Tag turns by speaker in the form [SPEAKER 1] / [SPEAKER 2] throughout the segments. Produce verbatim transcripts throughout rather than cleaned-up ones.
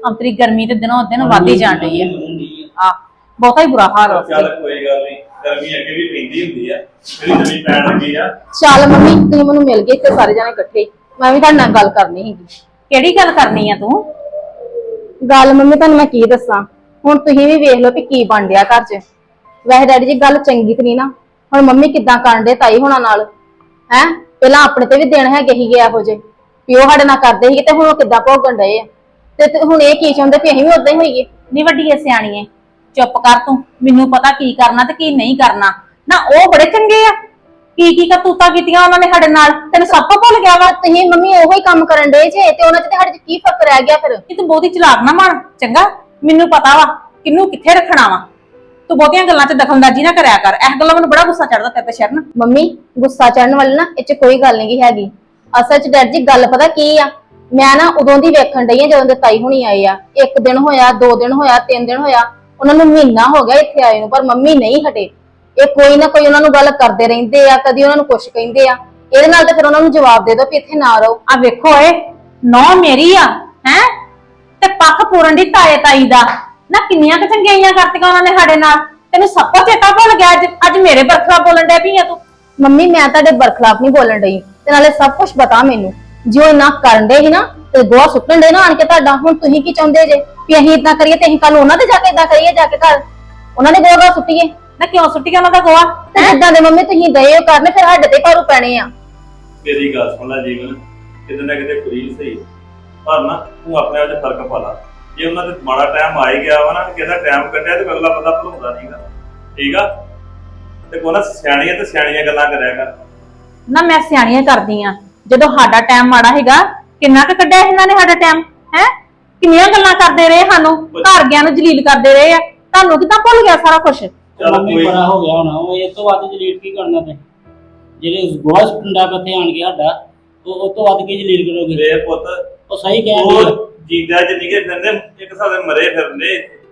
[SPEAKER 1] ਅੰਤਰੀ ਗਰਮੀ ਤੇ ਦਿਨੋਂ ਦਿਨ ਵੱਧਦੀ ਜਾਣ ਰਹੀ ਹੈ। ਆ ਬਹੁਤਾ ਹੀ ਬੁਰਾ ਹਾਲ ਹੋ
[SPEAKER 2] ਚੱਲ ਕੋਈ ਗੱਲ ਨਹੀਂ, ਗਰਮੀ ਅੱਗੇ ਵੀ ਪੈਂਦੀ ਹੁੰਦੀ ਆ, ਜਿਹੜੀ ਨਵੀਂ ਪੈਣ ਲੱਗੀ ਆ।
[SPEAKER 3] ਚੱਲ ਮੰਮੀ ਤੁਸੀਂ ਮੈਨੂੰ ਮਿਲ ਗਏ ਤੇ ਸਾਰੇ ਜਾਣੇ ਇਕੱਠੇ, ਮੈਂ ਵੀ ਤੁਹਾਡੇ ਨਾਲ ਗੱਲ ਕਰਨੀ ਸੀਗੀ।
[SPEAKER 1] ਕਿਹੜੀ ਗੱਲ ਕਰਨੀ ਆ ਤੂੰ?
[SPEAKER 3] ਗੱਲ ਮੰਮੀ ਤੁਹਾਨੂੰ ਮੈਂ ਕੀ ਦੱਸਾਂ, ਹੁਣ ਤੁਸੀਂ ਵੀ ਵੇਖ ਲਓ ਵੀ ਕੀ ਬਣ ਰਿਹਾ ਘਰ 'ਚ। ਵੈਸੇ ਡੈਡੀ ਜੀ ਗੱਲ ਚੰਗੀ ਤੇ ਨਹੀਂ ਨਾ, ਹੁਣ ਮੰਮੀ ਕਿੱਦਾਂ ਕਰਨ ਦੇ ਤਾਈ ਹੋਣਾ ਨਾਲ ਹੈ। ਪਹਿਲਾਂ ਆਪਣੇ ਤੇ ਵੀ ਦਿਨ ਹੈਗੇ ਸੀਗੇ ਇਹੋ ਜਿਹੇ ਵੀ ਉਹ ਸਾਡੇ ਨਾਲ ਕਰਦੇ ਸੀਗੇ, ਤੇ ਹੁਣ ਉਹ ਕਿੱਦਾਂ ਭੋਗਣ ਡਏ ਆ। ਤੇ ਹੁਣ ਇਹ ਕੀ ਚਾਹੁੰਦੇ ਵੀ ਅਸੀਂ ਵੀ ਉਦਾਂ ਹੀ ਹੋਈਏ।
[SPEAKER 1] ਨੀ ਵੱਡੀ ਐ ਸਿਆਣੀ ਐ, ਚੁੱਪ ਕਰ ਤੂੰ। ਮੈਨੂੰ ਪਤਾ ਕੀ ਕਰਨਾ ਤੇ ਕੀ ਨਹੀਂ ਕਰਨਾ। ਨਾ ਉਹ ਬੜੇ ਚੰਗੇ ਆ, ਕੀ ਕੀ ਕਰਤੂਤਾਂ ਕੀਤੀਆਂ ਉਹਨਾਂ ਨੇ ਸਾਡੇ ਨਾਲ, ਤੈਨੂੰ ਸਭ ਤੋਂ ਭੁੱਲ ਗਿਆ ਵਾ।
[SPEAKER 3] ਤੁਸੀਂ ਮੰਮੀ ਉਹੋ ਹੀ ਕੰਮ ਕਰਨ ਡਏ ਜੇ, ਤੇ ਉਹਨਾਂ 'ਚ ਤੇ ਸਾਡੇ 'ਚ ਕੀ ਫਰਕ ਰਹਿ ਗਿਆ ਫਿਰ?
[SPEAKER 1] ਕਿ ਤੂੰ ਬਹੁਤੀ ਚਲਾਕ ਨਾ ਬਣ ਚੰਗਾ। ਮੈਨੂੰ ਪਤਾ ਵਾ ਕਿਹਨੂੰ ਕਿੱਥੇ ਰੱਖਣਾ ਵਾ। ਤੂੰ ਬਹੁਤੀਆਂ ਗੱਲਾਂ 'ਚ ਦਖਲਅੰਦਾਜ਼ੀ ਨਾ ਕਰਿਆ ਕਰ। ਇਸ ਗੱਲਾਂ ਮੈਨੂੰ ਬੜਾ ਗੁੱਸਾ ਚੜਦਾ ਤੇਰੇ ਤੇ ਸ਼ਰਨ।
[SPEAKER 3] ਮੰਮੀ ਗੁੱਸਾ ਚੜਨ ਵਾਲੀ ਨਾ ਇਹ 'ਚ ਕੋਈ ਗੱਲ ਨਹੀਂ ਹੈਗੀ। ਅਸਲ 'ਚ ਡੈਡੀ ਜੀ ਗੱਲ ਪਤਾ ਕੀ ਆ, ਮੈਂ ਨਾ ਉਦੋਂ ਦੀ ਵੇਖਣ ਡਈ ਆ ਜਦੋਂ ਦੇ ਤਾਈ ਹੁਣੀ ਆਏ ਆ। ਇੱਕ ਦਿਨ ਹੋਇਆ, ਦੋ ਦਿਨ ਹੋਇਆ, ਤਿੰਨ ਦਿਨ ਹੋਇਆ, ਉਹਨਾਂ ਨੂੰ ਮਹੀਨਾ ਹੋ ਗਿਆ ਇੱਥੇ ਆਏ ਨੂੰ, ਪਰ ਮੰਮੀ ਨਹੀਂ ਹਟੇ। ਇਹ ਕੋਈ ਨਾ ਕੋਈ ਉਹਨਾਂ ਨੂੰ ਗੱਲ ਕਰਦੇ ਰਹਿੰਦੇ ਆ, ਕਦੀ ਉਹਨਾਂ ਨੂੰ ਕੁਛ ਕਹਿੰਦੇ ਆ। ਇਹਦੇ ਨਾਲ ਤੇ ਫਿਰ ਉਹਨਾਂ ਨੂੰ ਜਵਾਬ ਦੇ ਦਿਓ ਵੀ ਇੱਥੇ ਨਾ ਰਹੋ।
[SPEAKER 1] ਆ ਵੇਖੋ ਏ ਨੌ ਮੇਰੀ ਆ ਹੈ ਤੇ ਪੱਖ ਪੂਰਨ ਦੀ ਤਾਏ ਤਾਈ ਦਾ ਨਾ, ਕਿੰਨੀਆਂ ਕੁ ਚੰਗਿਆਈਆਂ ਕਰਤੀਆਂ ਉਹਨਾਂ ਨੇ ਸਾਡੇ ਨਾਲ। ਤੈਨੂੰ ਸਭ ਕੁਝ ਚੇਤਾ ਭੁੱਲ ਗਿਆ ਅੱਜ? ਅੱਜ ਮੇਰੇ ਬਰਖਲਾ ਬੋਲਣ ਡੈ ਪਈ ਆ ਤੂੰ।
[SPEAKER 3] ਮੰਮੀ ਮੈਂ ਤੁਹਾਡੇ ਬਰਖਲਾਫ ਨਹੀਂ ਬੋਲਣ ਡਈ, ਤੇ ਨਾਲੇ ਸਭ ਕੁਝ ਪਤਾ ਮੈਨੂੰ। ਜੇ ਉਹ ਨਾ ਕਰਨ ਦੇ ਸੀ ਨਾ ਤੇ ਗੋਹਾ ਸੁੱਟਣ ਦੇ ਨਾ ਆਣ ਕੇ ਤੁਹਾਡਾ। ਹੁਣ ਤੁਸੀਂ ਕੀ ਚਾਹੁੰਦੇ ਜੇ ਵੀ ਅਸੀਂ ਇਦਾਂ ਕਰੀਏ ਤੇ ਅਸੀਂ ਕੱਲ ਉਹਨਾਂ ਦੇ ਜਾ ਕੇ ਇਦਾਂ ਕਰੀਏ, ਜਾ ਕੇ ਘਰ ਉਹਨਾਂ ਦੇ ਗੋਹਾ ਸੁੱਟੀਏ?
[SPEAKER 1] ਨਾ ਕਿਉਂ ਸੁੱਟੀ ਉਹਨਾਂ ਦਾ ਗੋਹਾ?
[SPEAKER 3] ਤੇ ਜਿੱਦਾਂ ਦੇ ਮੰਮੀ ਤੁਸੀਂ ਦਏ ਕਰਨੇ ਫਿਰ ਸਾਡੇ ਤੇ ਭਾਰੂ ਪੈਣੇ ਆ।
[SPEAKER 2] ਮੇਰੀ ਗੱਲ ਸੁਣ ਲੈ ਜੀਵਨ, ਕਿਤੇ ਨਾ ਕਿਤੇ ਕੁੜੀ ਸਹੀ, ਪਰ ਨਾ ਤੂੰ ਆਪਣੇ ਆਪ 'ਚ ਫਰਕ ਪਾ ਲਾ। ਜੇ ਉਹਨਾਂ ਦੇ ਮਾੜਾ ਟਾਈਮ ਆ ਹੀ ਗਿਆ ਵਾ ਨਾ, ਕਿਹਦਾ ਟਾਈਮ ਕੱਢਿਆ ਤੇ ਅਗਲਾ ਬੰਦਾ ਭੁਲਾਉਂਦਾ ਨਹੀਂਗਾ, ਠੀਕ ਆ? ਤੇ ਕੋਨਾ ਸਿਆਣੀਆਂ ਤੇ ਸਿਆਣੀਆਂ ਗੱਲਾਂ ਕਰਿਆ ਕਰ।
[SPEAKER 1] ਨਾ ਮੈਂ ਸਿਆਣੀਆਂ ਕਰਦੀ ਆ, ਜਦੋਂ ਸਾਡਾ ਟਾਈਮ ਮਾੜਾ ਹੈਗਾ ਕਿੰਨਾ ਕੁ ਕੱਢਿਆ ਇਹਨਾਂ ਨੇ ਸਾਡਾ ਟਾਈਮ ਹੈ। ਕਿੰਨੀਆਂ ਗੱਲਾਂ ਕਰਦੇ ਰਹੇ, ਸਾਨੂੰ ਘਰ ਗਿਆ ਨੂੰ ਜਲੀਲ ਕਰਦੇ ਰਹੇ ਆ। ਤੁਹਾਨੂੰ ਕਿੱਦਾਂ ਭੁੱਲ ਗਿਆ ਸਾਰਾ ਕੁਝ?
[SPEAKER 2] ਚੱਲ
[SPEAKER 4] ਮੰਮੀ
[SPEAKER 2] ਕੋਈ
[SPEAKER 4] ਬੜਾ ਹੋ ਗਿਆ ਹੋਣਾ, ਉਹ ਇਸ ਤੋਂ ਵੱਧ ਜਲੀਲ ਕੀ ਕਰਨਾ ਤੇ? ਜਿਹੜੇ ਗੋਹਾ ਸੁੱਟਣਾ ਕਿੱਥੇ ਆਣ ਗਿਆ ਸਾਡਾ, ਉਹ ਉਹ ਤੋਂ ਵੱਧ ਕੀ ਜਲੀਲ ਕਰੋਗੇ?
[SPEAKER 2] ਵੇ ਪੁੱਤ,
[SPEAKER 4] ਉਹ ਸਹੀ ਕਹਿੰਦੇ ਆ।
[SPEAKER 2] ਉਹ ਜੀਂਦਾ ਚ ਨਿਕੇ ਫਿਰਦੇ, ਇੱਕ ਹਿਸਾਬ ਦੇ ਮਰੇ ਫਿਰਦੇ।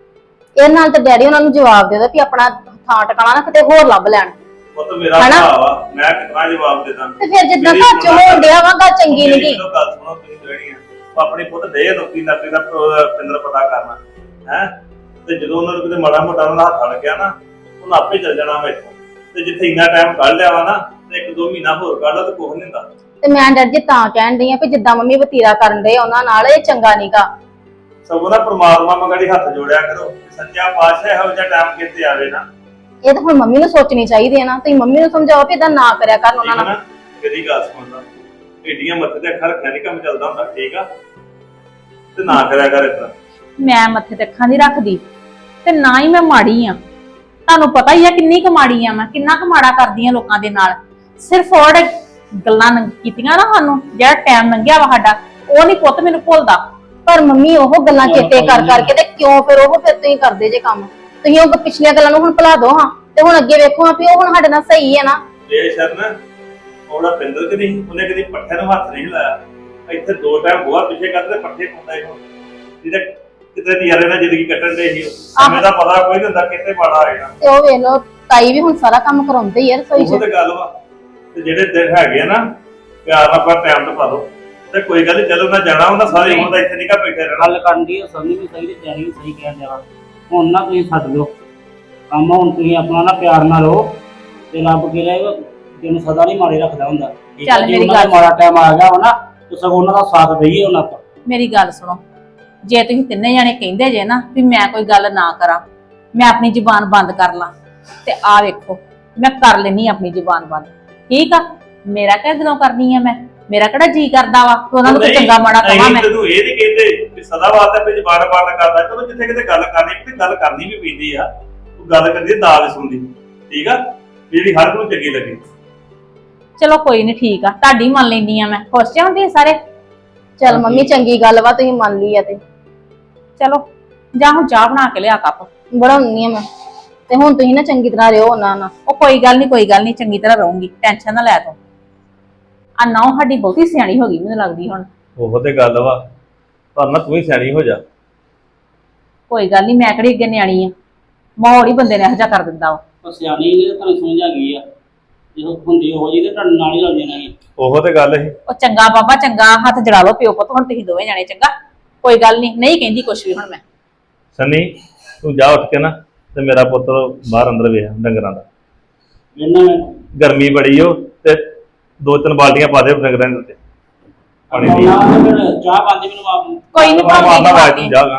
[SPEAKER 3] ਇਹ ਨਾਲ ਤੇ ਡੈਡੀ ਉਹਨਾਂ ਨੂੰ ਜਵਾਬ ਦੇ ਦਿਓ ਵੀ ਆਪਣਾ ਥਾਂ ਟਿਕਾਣਾ ਨਾ ਕਿਤੇ ਹੋਰ ਲੱਭ ਲੈਣ।
[SPEAKER 2] ਪੁੱਤ ਮੇਰਾ
[SPEAKER 3] ਹਨਾ?
[SPEAKER 2] ਭਰਾ ਵਾ, ਮੈਂ ਕਿਤਨਾ ਜਵਾਬ ਦੇ ਦਾਂ।
[SPEAKER 3] ਤੇ ਫਿਰ ਜਿੱਦਾਂ
[SPEAKER 2] ਮੇਰੀ
[SPEAKER 3] ਘਰ ਚ ਹੋਣ ਡਿਆ ਵਾ ਗੱਲ ਚੰਗੀ
[SPEAKER 2] ਮੇਰੀ
[SPEAKER 3] ਨਹੀਂ।
[SPEAKER 2] ਜਦੋਂ ਗੱਲ ਸੁਣੋ ਤੁਸੀਂ ਜਿਹੜੀਆਂ ਆਪਣੀ ਪੁੱਤ ਦੇ ਨੌਕਰੀ ਨੌਕਰੀ ਦਾ ਪਿੰਦਰ ਪਤਾ ਕਰਨਾ ਹੈ। ਤੇ ਜਦੋਂ ਉਹਨਾਂ ਨੂੰ ਕਿਤੇ ਮਾੜਾ ਮੋਟਾ ਉਹਨਾਂ ਦਾ ਹੱਥ ਲੱਗਿਆ ਨਾ, ਉਹਨਾਂ ਆਪੇ ਚੱਲ ਜਾਣਾ ਵਾ ਇੱਥੋਂ। ਤੇ ਜਿੱਥੇ ਇੰਨਾ ਟਾਈਮ ਕੱਢ ਲਿਆ ਵਾ ਨਾ, ਤੇ ਇੱਕ ਦੋ ਮਹੀਨਾ ਹੋਰ ਕੱਢ ਲਾ ਤੇ ਕੁਝ ਨਹੀਂ ਹੁੰਦਾ।
[SPEAKER 3] ਤੇ ਮੈਂ ਡੈਡੀ ਜੀ ਤਾਂ ਕਹਿਣ ਡਈ ਆ ਵੀ ਜਿੱਦਾਂ ਮੰਮੀ ਵਤੀਰਾ ਕਰਨ ਦੇ ਉਹਨਾਂ ਨਾਲ, ਇਹ ਚੰਗਾ ਨਹੀਂਗਾ।
[SPEAKER 2] ਸਗੋਂ ਨਾ ਪ੍ਰਮਾਤਮਾ ਮਗੜੀ ਹੱਥ ਜੋੜਿਆ ਕਰੋ, ਸੱਚਾ ਪਾਤਸ਼ਾਹ ਇਹੋ ਜਿਹਾ ਟਾਈਮ ਕਿਤੇ ਆਵੇ ਨਾ।
[SPEAKER 3] ਇਹ ਤਾਂ ਹੁਣ ਮੰਮੀ ਨੂੰ ਸੋਚਣੀ ਚਾਹੀਦੀ ਹੈ ਨਾ। ਤੁਸੀਂ ਮੰਮੀ ਨੂੰ ਸਮਝਾਓ ਵੀ ਇਦਾਂ ਨਾ ਕਰਿਆ ਕਰਨ ਉਹਨਾਂ ਨਾਲ।
[SPEAKER 2] ਮੇਰੀ ਗੱਲ ਸੁਣਦਾ, ਏਡੀਆਂ ਮੱਥੇ ਤੇ ਅੱਖਾਂ ਰੱਖਿਆ ਨੀ ਕੰਮ ਚੱਲਦਾ ਹੁੰਦਾ, ਠੀਕ ਆ? ਤੇ ਨਾ ਕਰਿਆ ਕਰ ਇਤਨਾ।
[SPEAKER 1] ਮੈਂ ਮੱਥੇ ਤੇ ਅੱਖਾਂ ਨਹੀਂ ਰੱਖਦੀ ਤੇ ਨਾ ਹੀ ਮੈਂ ਮਾੜੀ ਆ। ਤੁਹਾਨੂੰ ਪਤਾ ਹੀ ਆ ਕਿੰਨੀ ਕੁ ਮਾੜੀ ਆ ਮੈਂ, ਕਿੰਨਾ ਕੁ ਮਾੜਾ ਕਰਦੀ ਆ ਲੋਕਾਂ ਦੇ ਨਾਲ। ਸਿਰਫ ਉਹ ਗੱਲਾਂ ਕੀਤੀਆਂ ਨਾ ਸਾਨੂੰ, ਜਿਹੜਾ ਟਾਈਮ ਲੰਘਿਆ ਵਾ ਸਾਡਾ, ਉਹ ਨਹੀਂ ਪੁੱਤ ਮੈਨੂੰ ਭੁੱਲਦਾ।
[SPEAKER 3] ਪਰ ਮੰਮੀ ਉਹ ਗੱਲਾਂ ਚੇਤੇ ਕਰ ਕਰਕੇ ਤੇ ਕਿਉਂ ਫਿਰ ਉਹ ਫਿਰ ਤੁਸੀਂ ਕਰਦੇ ਜੇ ਕੰਮ? ਤੁਸੀਂ ਉਹ ਪਿਛਲੀਆਂ ਗੱਲਾਂ ਨੂੰ ਹੁਣ ਭੁਲਾ ਦੋ ਹਾਂ, ਤੇ ਹੁਣ ਅੱਗੇ ਵੇਖੋ ਵੀ ਉਹ ਹੁਣ ਸਾਡੇ ਨਾਲ ਸਹੀ ਹੈ ਨਾ।
[SPEAKER 2] ਇਹ ਸ਼ਰਨ ਉਹਦਾ ਪਿੰਦਰ ਕਿ ਨਹੀਂ, ਉਹਨੇ ਕਦੀ ਪੱਠੇ ਨੂੰ ਹੱਥ ਨਹੀਂ ਲਾਇਆ। ਇੱਥੇ ਦੋ ਟਾਈਮ ਬੋਹਾ ਪਿੱਛੇ ਕਰਦੇ ਪੱਠੇ ਪਾਉਂਦਾ ਹੀ ਹੁਣ। ਜਿਹਦੇ ਕਿਤੇ ਨਜ਼ਾਰੇ ਨਾਲ ਜ਼ਿੰਦਗੀ ਕੱਟਣ ਦੇ ਹੀ, ਸਮੇਂ ਦਾ ਪਤਾ ਕੋਈ ਨਹੀਂ ਹੁੰਦਾ ਕਿੱਥੇ ਮਾੜਾ ਆਏਗਾ।
[SPEAKER 3] ਤੇ ਉਹ ਵੇਖ ਲਓ ਤਾਈ ਵੀ ਹੁਣ ਸਾਰਾ ਕੰਮ ਕਰਾਉਂਦੇ ਹੀ ਆ ਰਸੋਈ
[SPEAKER 2] ਉਹ
[SPEAKER 3] ਚ।
[SPEAKER 2] ਤੇ ਗੱਲ ਵਾ। ਤੇ ਜਿਹੜੇ ਦਿਨ ਹੈਗੇ ਆ ਨਾ, ਪਿਆਰ ਨਾਲ ਆਪਾਂ ਟਾਈਮ ਤੇ ਪਾ ਦੋ ਤੇ ਕੋਈ ਗੱਲ ਨੀ, ਜਦੋਂ ਮੈਂ ਜਾਣਾ ਹੁੰਦਾ ਸਾਰੀ ਉਮਰ ਦਾ ਇੱਥੇ ਨਿਕਾ ਬੈਠੇ ਰਹਿਣਾ।
[SPEAKER 4] ਗੱਲ ਕਰਨ ਦੀ ਸਮਝ ਵੀ ਸਹੀ ਤੇ ਤਿਆਰੀ ਵੀ ਸਹੀ ਕਹਿਣ ਦੇਣਾ। ਹੁਣ ਨਾ ਤੁਸੀਂ ਛੱਡ ਦਿਓ ਕੰਮ, ਹੁਣ ਤੁਸੀਂ ਆਪਣਾ ਨਾ ਪਿਆਰ ਨਾਲ ਰਹੋ ਤੇ ਰੱਬ ਕੀ ਰਹੇਗਾ ਤੈਨੂੰ ਸਦਾ ਨਹੀਂ ਮਾਰੇ ਰੱਖਦਾ ਹੁੰਦਾ।
[SPEAKER 1] ਚੱਲ ਮੇਰੀ ਗੱਲ
[SPEAKER 4] ਮਾੜਾ ਟਾਈਮ ਆ ਗਿਆ ਵਾ ਨਾ, ਤੇ ਸਗੋਂ ਉਹਨਾਂ ਦਾ ਸਾਥ ਦਈਏ ਉਹਨਾਂ ਤੋਂ।
[SPEAKER 1] ਮੇਰੀ ਗੱਲ ਸੁਣੋ, ਜੇ ਤੁਸੀਂ ਤਿੰਨੇ ਜਾਣੇ ਕਹਿੰਦੇ ਜੇ ਨਾ ਵੀ ਮੈਂ ਕੋਈ ਗੱਲ ਨਾ ਕਰਾਂ, ਮੈਂ ਆਪਣੀ ਜ਼ੁਬਾਨ ਬੰਦ ਕਰ ਲਾਂ, ਤੇ ਆ ਵੇਖੋ ਮੈਂ ਕਰ ਲੈਣੀ ਆਪਣੀ ਜ਼ੁਬਾਨ ਬੰਦ। ਠੀਕ ਆ? ਮੇਰਾ ਕਿਹੜਾ ਦਿਲੋਂ ਕਰਨੀ ਆ ਮੈਂ? ਮੇਰਾ ਕਿਹੜਾ ਜੀ ਕਰਦਾ ਵਾ ਕਿ ਉਹਨਾਂ ਨੂੰ ਕੋਈ ਚੰਗਾ ਮਾੜਾ ਕਹਾਂ ਮੈਂ?
[SPEAKER 2] ਤੈਨੂੰ ਇਹ ਨਹੀਂ ਕਹਿੰਦੇ ਵੀ ਸਦਾ ਵਾਸਤੇ ਵੀ ਜ਼ਬਾਨ ਬੰਦ ਕਰਦਾ। ਚਲੋ ਜਿੱਥੇ ਕਿਤੇ ਗੱਲ ਕਰਨੀ ਤੇ ਗੱਲ ਕਰਨੀ ਵੀ ਪੈਂਦੀ ਆ। ਤੂੰ ਗੱਲ ਕਰਦੀ ਦਾਲ ਸੁਣਦੀ, ਠੀਕ ਆ? ਜਿਹੜੀ ਹਰ ਨੂੰ ਚੰਗੀ ਲੱਗੇ।
[SPEAKER 1] ਚਲੋ ਕੋਈ ਨਹੀਂ, ਠੀਕ ਆ, ਤੁਹਾਡੀ ਮੰਨ ਲੈਂਦੀ ਆ ਮੈਂ। ਖੁਸ਼ ਜਾਂਦੇ ਸਾਰੇ?
[SPEAKER 3] ਚੱਲ ਮੰਮੀ ਚੰਗੀ ਗੱਲ ਵਾ ਤੁਸੀਂ ਮੰਨ ਲਈ ਆ। ਤੇ
[SPEAKER 1] ਚਲੋ ਜਾ ਹੁਣ ਚਾਹ ਬਣਾ ਕੇ ਲਿਆ ਕੱਪ।
[SPEAKER 3] ਬਣਾਉਣੀ ਆ ਮੈਂ। ਤੇ ਹੁਣ ਤੁਸੀਂ ਨਾ ਚੰਗੀ ਤਰ੍ਹਾਂ ਰਹੋ ਉਹਨਾਂ ਨਾਲ।
[SPEAKER 1] ਉਹ ਕੋਈ ਗੱਲ ਨਹੀਂ, ਕੋਈ ਗੱਲ ਨਹੀਂ, ਚੰਗੀ ਤਰ੍ਹਾਂ ਰਹੂੰਗੀ, ਟੈਨਸ਼ਨ ਨਾ ਲੈ ਤੂੰ। ਆ ਨਾ ਸਾਡੀ ਬਹੁਤੀ ਸਿਆਣੀ ਹੋ ਗਈ ਮੈਨੂੰ ਲੱਗਦੀ ਹੁਣ।
[SPEAKER 2] ਉਹ ਤੇ ਗੱਲ ਵਾ, ਪਰ ਨਾ ਤੂੰ ਹੀ ਸਿਆਣੀ ਹੋ ਜਾ।
[SPEAKER 1] ਕੋਈ ਗੱਲ ਨਹੀਂ, ਮੈਂ ਕਿਹੜੀ ਅੱਗੇ ਨਿਆਣੀ ਆ? ਮਾਹੌਲ ਹੀ ਬੰਦੇ ਨੇ ਇਹੋ ਜਿਹਾ ਕਰ ਦਿੰਦਾ ਵਾ।
[SPEAKER 4] ਉਹ ਸਿਆਣੀ ਇਹ ਤੁਹਾਨੂੰ ਸਮਝ ਆ ਗਈ ਆ, ਜਦੋਂ ਹੁੰਦੀ ਹੋ ਜੀ ਤੇ ਤੁਹਾਡੇ ਨਾਲ ਹੀ ਲੱਗ ਜਾਣਾ ਸੀ।
[SPEAKER 2] ਉਹ ਤੇ ਗੱਲ ਸੀ।
[SPEAKER 1] ਉਹ ਚੰਗਾ ਬਾਬਾ ਚੰਗਾ, ਹੱਥ ਜੜਾ ਲਓ ਪਿਓ ਪੁੱਤ ਹੁਣ ਤੁਸੀਂ ਦੋਵੇਂ ਜਾਣੇ। ਚੰਗਾ ਕੋਈ ਗੱਲ ਨਹੀਂ, ਨਹੀਂ ਕਹਿੰਦੀ ਕੁਛ ਵੀ ਹੁਣ ਮੈਂ।
[SPEAKER 2] ਸੰਨੀ ਤੂੰ ਜਾ ਉੱਠ ਕੇ ਨਾ ਤੇ ਮੇਰਾ ਪੁੱਤਰ ਬਾਹਰ ਅੰਦਰ ਵੇਖ ਡੰਗਰਾਂ ਦਾ,
[SPEAKER 4] ਇਹਨਾਂ
[SPEAKER 2] ਗਰਮੀ ਬੜੀ ਓ ਤੇ ਦੋ ਤਿੰਨ ਬਾਲਟੀਆਂ ਪਾ ਦੇ ਡੰਗਰਾਂ ਦੇ ਉੱਤੇ ਪਾਣੀ ਦੀ।
[SPEAKER 4] ਚਾਹ ਪਾਉਂਦੀ ਮੈਨੂੰ ਆਪ ਨੂੰ।
[SPEAKER 1] ਕੋਈ ਨਹੀਂ
[SPEAKER 2] ਮਾਰਦਾ
[SPEAKER 1] ਭਾਵੇਂ
[SPEAKER 2] ਆਵਾਜ਼ ਤੂੰ ਜਾਗਾ।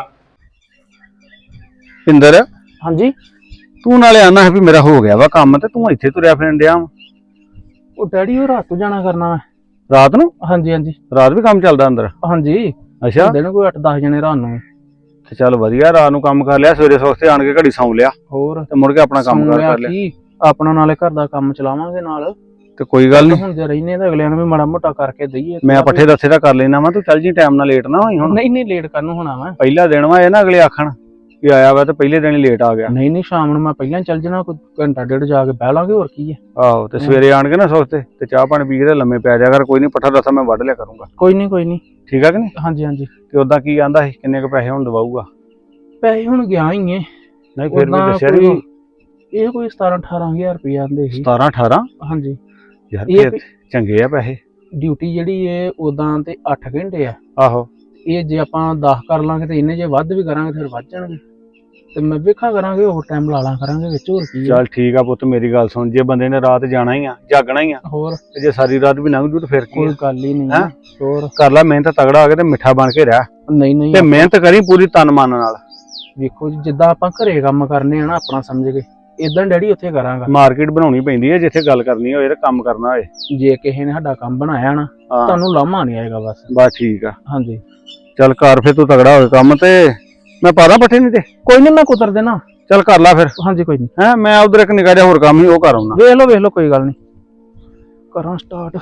[SPEAKER 5] ਪਿੰਦਰ
[SPEAKER 6] ਹਾਂਜੀ
[SPEAKER 5] ਤੂੰ ਨਾਲੇ ਆਨਾ ਹੈ ਵੀ ਮੇਰਾ ਹੋ ਗਿਆ ਵਾ ਕੰਮ ਤੇ ਤੂੰ ਇੱਥੇ ਤੁਰਿਆ ਫਿਰਨ ਡਿਆ ਵਾਂ।
[SPEAKER 6] ਉਹ ਡੈਡੀ ਉਹ ਰਾਤ ਨੂੰ ਜਾਣਾ ਕਰਨਾ ਮੈਂ।
[SPEAKER 5] ਰਾਤ ਨੂੰ
[SPEAKER 6] ਹਾਂਜੀ ਹਾਂਜੀ
[SPEAKER 5] ਰਾਤ ਵੀ ਕੰਮ ਚੱਲਦਾ ਅੰਦਰ?
[SPEAKER 6] ਹਾਂਜੀ
[SPEAKER 5] ਅੱਛਾ
[SPEAKER 6] ਦਿਨ ਕੋਈ ਅੱਠ ਦਸ ਜਣੇ ਰਾਤ ਨੂੰ।
[SPEAKER 5] ਤੇ ਚੱਲ ਵਧੀਆ, ਰਾਤ ਨੂੰ ਕੰਮ ਕਰ ਲਿਆ, ਸਵੇਰੇ ਸਵਖਤੇ ਆਣ ਕੇ ਘੜੀ ਸੌਂ ਲਿਆ
[SPEAKER 6] ਹੋਰ
[SPEAKER 5] ਤੇ ਮੁੜ ਕੇ ਆਪਣਾ ਕੰਮ
[SPEAKER 6] ਸੌਂ
[SPEAKER 5] ਕਾਰ
[SPEAKER 6] ਲਿਆ
[SPEAKER 5] ਕਰ ਲਿਆ।
[SPEAKER 6] ਕੀ, ਆਪਣਾ ਨਾਲੇ ਘਰ ਦਾ ਕੰਮ ਚਲਾਵਾਂਗੇ ਨਾਲ।
[SPEAKER 5] ਤੇ ਕੋਈ ਗੱਲ ਨਹੀਂ,
[SPEAKER 6] ਹੁਣ ਜੇ ਰਹਿਨੇ ਤਾਂ ਅਗਲਿਆਂ ਨੂੰ ਵੀ ਮਾੜਾ ਮੋਟਾ ਕਰਕੇ ਦਈਏ।
[SPEAKER 5] ਮੈਂ ਪੱਠੇ ਦੱਸੇ ਦਾ ਕਰ ਲੈਣਾ ਵਾ, ਤੂੰ ਚੱਲ ਜੀ ਟਾਈਮ ਨਾਲ ਲੇਟ ਨਾ ਹੋਈ। ਹੁਣ
[SPEAKER 6] ਨਹੀਂ ਨਹੀਂ ਲੇਟ ਕਰਨ ਨੂੰ ਹੋਣਾ ਵਾ।
[SPEAKER 5] ਪਹਿਲਾ ਦਿਨ ਵਾ ਇਹ ਨਾ ਅਗਲੇ ਆਖਣ ਵੀ ਆਇਆ ਵਾ ਤੇ ਪਹਿਲੇ ਦਿਨ ਹੀ ਲੇਟ ਆ ਗਿਆ।
[SPEAKER 6] ਨਹੀਂ ਨਹੀਂ ਸ਼ਾਮ ਨੂੰ ਮੈਂ ਪਹਿਲਾਂ ਚੱਲ ਜਾਣਾ, ਕੋਈ ਘੰਟਾ ਡੇਢ ਜਾ ਕੇ ਬਹਿ ਲਾਂਗੇ, ਹੋਰ ਕੀ ਹੈ।
[SPEAKER 5] ਆਹੋ ਤੇ ਸਵੇਰੇ ਆਣ ਕੇ ਨਾ ਸਵਖਤੇ ਤੇ ਚਾਹ ਪਾਣੀ ਪੀ ਕੇ ਤੇ ਲੰਮੇ ਪੈ ਜਾ ਕਰ। ਕੋਈ ਨਹੀਂ, ਪੱਠਾ ਦੱਸਾਂ ਮੈਂ ਵੱਢ ਲਿਆ ਕਰੂੰਗਾ।
[SPEAKER 6] ਕੋਈ ਨਹੀਂ ਕੋਈ ਨਹੀਂ।
[SPEAKER 5] ਠੀਕ ਆ ਕਿ ਨਹੀਂ?
[SPEAKER 6] ਹਾਂਜੀ ਹਾਂਜੀ।
[SPEAKER 5] ਤੇ ਉਦਾਂ ਕੀ ਆਂਦਾ ਸੀ, ਕਿੰਨੇ ਕੁ ਪੈਸੇ ਹੁਣ ਦਵਾਊਗਾ?
[SPEAKER 6] ਪੈਸੇ ਹੁਣ ਗਿਆ ਹੀ ਹੈ।
[SPEAKER 5] ਨਹੀਂ ਫਿਰ ਵੀ
[SPEAKER 6] ਉੱਦਾਂ
[SPEAKER 5] ਦੱਸਿਆ
[SPEAKER 6] ਕੋਈ-
[SPEAKER 5] ਨਹੀਂ।
[SPEAKER 6] ਇਹ ਕੋਈ ਸਤਾਰਾਂ ਅਠਾਰਾਂ ਹਜ਼ਾਰ ਰੁਪਏ ਆਂਦੇ ਸੀ।
[SPEAKER 5] ਸਤਾਰਾਂ ਅਠਾਰਾਂ?
[SPEAKER 6] ਹਾਂਜੀ।
[SPEAKER 5] ਯਾਰ
[SPEAKER 6] ਇਹ
[SPEAKER 5] ਫਿਰ ਚੰਗੇ ਆ ਪੈਸੇ।
[SPEAKER 6] ਡਿਊਟੀ ਜਿਹੜੀ ਹੈ ਉਦਾਂ ਤੇ ਅੱਠ ਘੰਟੇ ਆ।
[SPEAKER 5] ਆਹੋ
[SPEAKER 6] ਇਹ ਜੇ ਆਪਾਂ ਦਸ ਕਰ ਲਾਂਗੇ ਤੇ ਇਹਨੇ ਜੇ ਵੱਧ ਵੀ ਕਰਾਂਗੇ ਫਿਰ ਵੱਧ ਜਾਣਗੇ। ਤੇ ਮੈਂ ਵੇਖਾਂ ਕਰਾਂਗੇ, ਹੋਰ ਟਾਈਮ ਲਾ ਲਾਂ ਕਰਾਂਗੇ ਵਿੱਚ, ਹੋਰ ਕੀ ਆ।
[SPEAKER 5] ਚੱਲ ਠੀਕ ਆ ਪੁੱਤ, ਮੇਰੀ ਗੱਲ ਸੁਣ, ਜੇ ਬੰਦੇ ਨੇ ਰਾਤ ਜਾਣਾ ਹੀ ਆ, ਜਾਗਣਾ ਹੀ ਆ,
[SPEAKER 6] ਹੋਰ
[SPEAKER 5] ਤੇ ਜੇ ਸਾਰੀ ਰਾਤ ਵੀ ਲੰਘ ਜੂ ਤੇ ਫਿਰ ਕੀ
[SPEAKER 6] ਕੋਈ
[SPEAKER 5] ਆ?
[SPEAKER 6] ਗੱਲ ਹੀ ਨਹੀਂ।
[SPEAKER 5] ਹੈਂ?
[SPEAKER 6] ਹੋਰ
[SPEAKER 5] ਕਰ ਲੈ ਮਿਹਨਤ, ਤਗੜਾ ਹੋ ਕੇ ਤੇ ਮਿੱਠਾ ਬਣ ਕੇ ਰਹਿ
[SPEAKER 6] ਨਹੀਂ ਨਹੀਂ
[SPEAKER 5] ਤੇ ਮਿਹਨਤ ਕਰੀ ਪੂਰੀ ਤਨ ਮਨ ਨਾਲ।
[SPEAKER 6] ਵੇਖੋ ਜੀ, ਜਿੱਦਾਂ ਆਪਾਂ ਘਰੇ ਕੰਮ ਕਰਨੇ ਆ ਨਾ ਆਪਣਾ ਸਮਝ ਕੇ, ਇਦਾਂ ਡੈਡੀ ਉੱਥੇ ਕਰਾਂਗਾ।
[SPEAKER 5] ਮਾਰਕੀਟ ਬਣਾਉਣੀ ਪੈਂਦੀ ਹੈ, ਜਿੱਥੇ ਗੱਲ ਕਰਨੀ ਹੋਏ ਤੇ ਕੰਮ ਕਰਨਾ ਹੋਏ।
[SPEAKER 6] ਜੇ ਕਿਸੇ ਨੇ ਸਾਡਾ ਕੰਮ ਬਣਾਇਆ ਨਾ,
[SPEAKER 5] ਹਾਂ
[SPEAKER 6] ਤੁਹਾਨੂੰ ਲਾਮਾ ਨਹੀਂ ਆਏਗਾ ਬਸ।
[SPEAKER 5] ਬਸ ਠੀਕ ਆ,
[SPEAKER 6] ਹਾਂਜੀ
[SPEAKER 5] ਚੱਲ ਕਰ ਫਿਰ, ਤੂੰ ਤਗੜਾ ਹੋਏ ਕੰਮ ਤੇ ਮੈਂ ਪਾਦਾ ਪੱਠੇ ਨਹੀਂ ਤੇ।
[SPEAKER 6] ਕੋਈ ਨਹੀਂ, ਮੈਂ ਕੁਤਰ ਦੇਣਾ।
[SPEAKER 5] ਚੱਲ ਕਰ ਲੈ ਫਿਰ।
[SPEAKER 6] ਹਾਂਜੀ ਕੋਈ ਨਹੀਂ,
[SPEAKER 5] ਹੈ ਮੈਂ ਉਧਰ ਇੱਕ ਨਿੱਕਾ ਜਿਹਾ ਹੋਰ ਕੰਮ ਹੀ ਉਹ ਕਰ ਆਉਣਾ।
[SPEAKER 6] ਵੇਖ ਲਓ ਵੇਖ ਲਓ, ਕੋਈ ਗੱਲ ਨਹੀਂ, ਕਰਾਂ ਸਟਾਰਟ।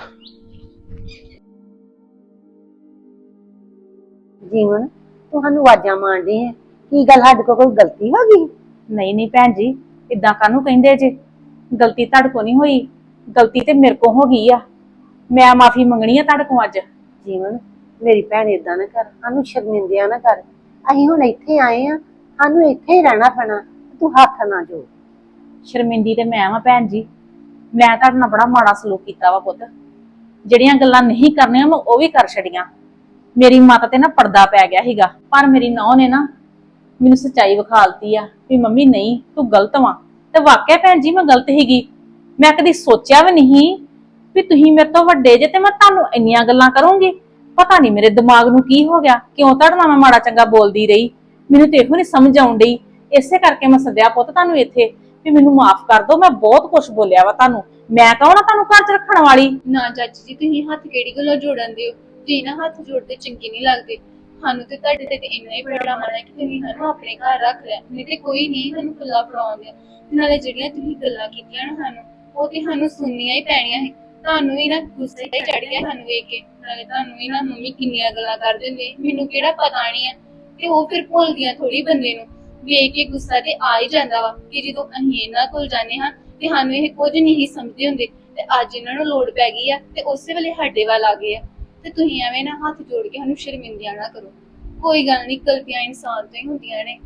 [SPEAKER 7] ਜੀਵਨ ਤੁਹਾਨੂੰ ਆਵਾਜ਼ਾਂ ਮਾਰਦੇ ਆ, ਕੀ ਗੱਲ ਸਾਡੇ ਕੋਲ ਕੋਈ ਗਲਤੀ ਹੋ ਗਈ?
[SPEAKER 1] ਨਹੀਂ ਨਹੀਂ ਭੈਣ ਜੀ, ਇਦਾਂ ਕਾਹਨੂੰ ਕਹਿੰਦੇ ਜੇ? ਗਲਤੀ ਤੁਹਾਡੇ ਕੋ ਨਹੀਂ ਹੋਈ, ਗਲਤੀ ਤੇ ਮੇਰੇ ਕੋ ਹੋ ਗਈ ਆ। ਮੈਂ ਮਾਫੀ ਮੰਗਣੀ ਆ ਤੁਹਾਡੇ ਕੋ ਅੱਜ।
[SPEAKER 7] ਜੀਵਨ ਮੇਰੀ ਭੈਣ ਏਦਾਂ ਨਾ ਕਰ, ਸਾਨੂੰ ਸ਼ਰਮਿੰਦਿਆ ਨਾ ਕਰ। ਅਸੀਂ ਹੁਣ ਇੱਥੇ ਆਏ ਆ, ਸਾਨੂੰ ਇੱਥੇ ਹੀ ਰਹਿਣਾ ਪੈਣਾ, ਤੂੰ ਹੱਥ ਨਾ ਜੋੜ।
[SPEAKER 1] ਸ਼ਰਮਿੰਦੀ ਤੇ ਮੈਂ ਵਾਂ ਭੈਣ ਜੀ, ਮੈਂ ਤੁਹਾਡੇ ਨਾਲ ਬੜਾ ਮਾੜਾ ਸਲੂਕ ਕੀਤਾ ਵਾ ਪੁੱਤ। ਜਿਹੜੀਆਂ ਗੱਲਾਂ ਨਹੀਂ ਕਰਨੀਆਂ ਮੈਂ ਉਹ ਵੀ ਕਰ ਛੜੀਆਂ। ਮੇਰੀ ਮਾਤਾ ਤੇ ਨਾ ਪਰਦਾ ਪੈ ਗਿਆ ਸੀਗਾ, ਪਰ ਮੇਰੀ ਨੌਂ ਨੇ ਨਾ ਮੈਨੂੰ ਸੱਚਾਈ ਵਿਖਾਲਤੀ ਆ ਵੀ ਮੰਮੀ ਨਹੀਂ ਤੂੰ ਗਲਤ ਵਾਂ। ਤੇ ਵਾਕਿਆ ਭੈਣ ਜੀ ਮੈਂ ਗਲਤ ਸੀਗੀ। ਮੈਂ ਕਦੀ ਸੋਚਿਆ ਵੀ ਨਹੀਂ ਵੀ ਤੁਸੀਂ ਮੇਰੇ ਤੋਂ ਵੱਡੇ ਜੇ ਤੇ ਮੈਂ ਤੁਹਾਨੂੰ ਇੰਨੀਆਂ ਗੱਲਾਂ ਕਰੂੰਗੀ। ਪਤਾ ਨਹੀਂ ਮੇਰੇ ਦਿਮਾਗ ਨੂੰ ਕੀ ਹੋ ਗਿਆ, ਕਿਉਂ ਤੁਹਾਡੇ ਨਾਲ ਮੈਂ ਮਾੜਾ ਚੰਗਾ ਬੋਲਦੀ ਰਹੀ, ਮੈਨੂੰ ਤੇ ਇਹੋ ਨਹੀਂ ਸਮਝ ਆਉਣ ਡਈ। ਇਸੇ ਕਰਕੇ ਮੈਂ ਸੱਦਿਆ ਪੁੱਤ ਤੁਹਾਨੂੰ ਇੱਥੇ ਵੀ ਮੈਨੂੰ ਮਾਫ ਕਰ ਦਿਓ। ਮੈਂ ਬਹੁਤ ਕੁਝ ਬੋਲਿਆ ਵਾ ਤੁਹਾਨੂੰ, ਮੈਂ ਕਹੋ ਨਾ ਤੁਹਾਨੂੰ ਘਰ 'ਚ ਰੱਖਣ ਵਾਲੀ।
[SPEAKER 8] ਨਾ ਚਾਚੀ ਜੀ, ਤੁਸੀਂ ਹੱਥ ਕਿਹੜੀ ਗੱਲੋਂ ਜੋੜਨ ਦਿਓ? ਤੁਸੀਂ ਨਾ ਹੱਥ ਜੋੜਦੇ ਚੰਗੇ ਨਹੀਂ ਲੱਗਦੇ। ਸਾਨੂੰ ਤੇ ਤੁਹਾਡੇ ਤੇ ਇੰਨਾ ਹੀ ਬੜਾ ਮਾਣ ਹੈ ਕਿ ਤੁਸੀਂ ਸਾਨੂੰ ਆਪਣੇ ਘਰ ਰੱਖ ਲਿਆ, ਨਹੀਂ ਤੇ ਕੋਈ ਨਹੀਂ ਸਾਨੂੰ ਪੱਲਾ ਫੜਾਉਂਦੇ। ਨਾਲੇ ਜਿਹੜੀਆਂ ਤੁਸੀਂ ਗੱਲਾਂ ਕੀਤੀਆਂ ਨਾ ਸਾਨੂੰ, ਉਹ ਤੇ ਸਾਨੂੰ ਸੁਣਨੀਆਂ ਹੀ ਪੈਣੀਆਂ ਸੀ। ਤੁਹਾਨੂੰ ਵੀ ਨਾ ਗੁੱਸੇ ਹੀ ਚੜ ਗਿਆ ਸਾਨੂੰ ਵੇਖ ਕੇ। ਨਾਲੇ ਤੁਹਾਨੂੰ ਵੀ ਨਾ ਮੰਮੀ ਕਿੰਨੀਆਂ ਗੱਲਾਂ ਕਰ ਦਿੰਦੇ, ਮੈਨੂੰ ਕਿਹੜਾ ਪਤਾ ਨਹੀਂ ਹੈ। ਤੇ ਉਹ ਫਿਰ ਭੁੱਲਦੀਆਂ ਥੋੜੀ ਬੰਦੇ ਨੂੰ, ਵੇਖ ਕੇ ਗੁੱਸਾ ਤੇ ਆ ਹੀ ਜਾਂਦਾ ਵਾ ਕਿ ਜਦੋਂ ਅਸੀਂ ਇਹਨਾਂ ਕੋਲ ਜਾਂਦੇ ਹਾਂ ਤੇ ਸਾਨੂੰ ਇਹ ਕੁਝ ਨਹੀਂ ਸਮਝਦੇ ਹੁੰਦੇ, ਤੇ ਅੱਜ ਇਹਨਾਂ ਨੂੰ ਲੋੜ ਪੈ ਗਈ ਆ ਤੇ ਉਸੇ ਵੇਲੇ ਸਾਡੇ ਵੱਲ ਆ ਗਏ ਆ। ਤੇ ਤੁਸੀਂ ਐਵੇਂ ਨਾ ਹੱਥ ਜੋੜ ਕੇ ਸਾਨੂੰ ਸ਼ਰਮਿੰਦਿਆਂ ਨਾ ਕਰੋ। ਕੋਈ ਗੱਲ ਨਹੀਂ, ਗਲਤੀਆਂ ਇਨਸਾਨ ਤੋਂ ਹੀ ਹੁੰਦੀਆਂ ਨੇ।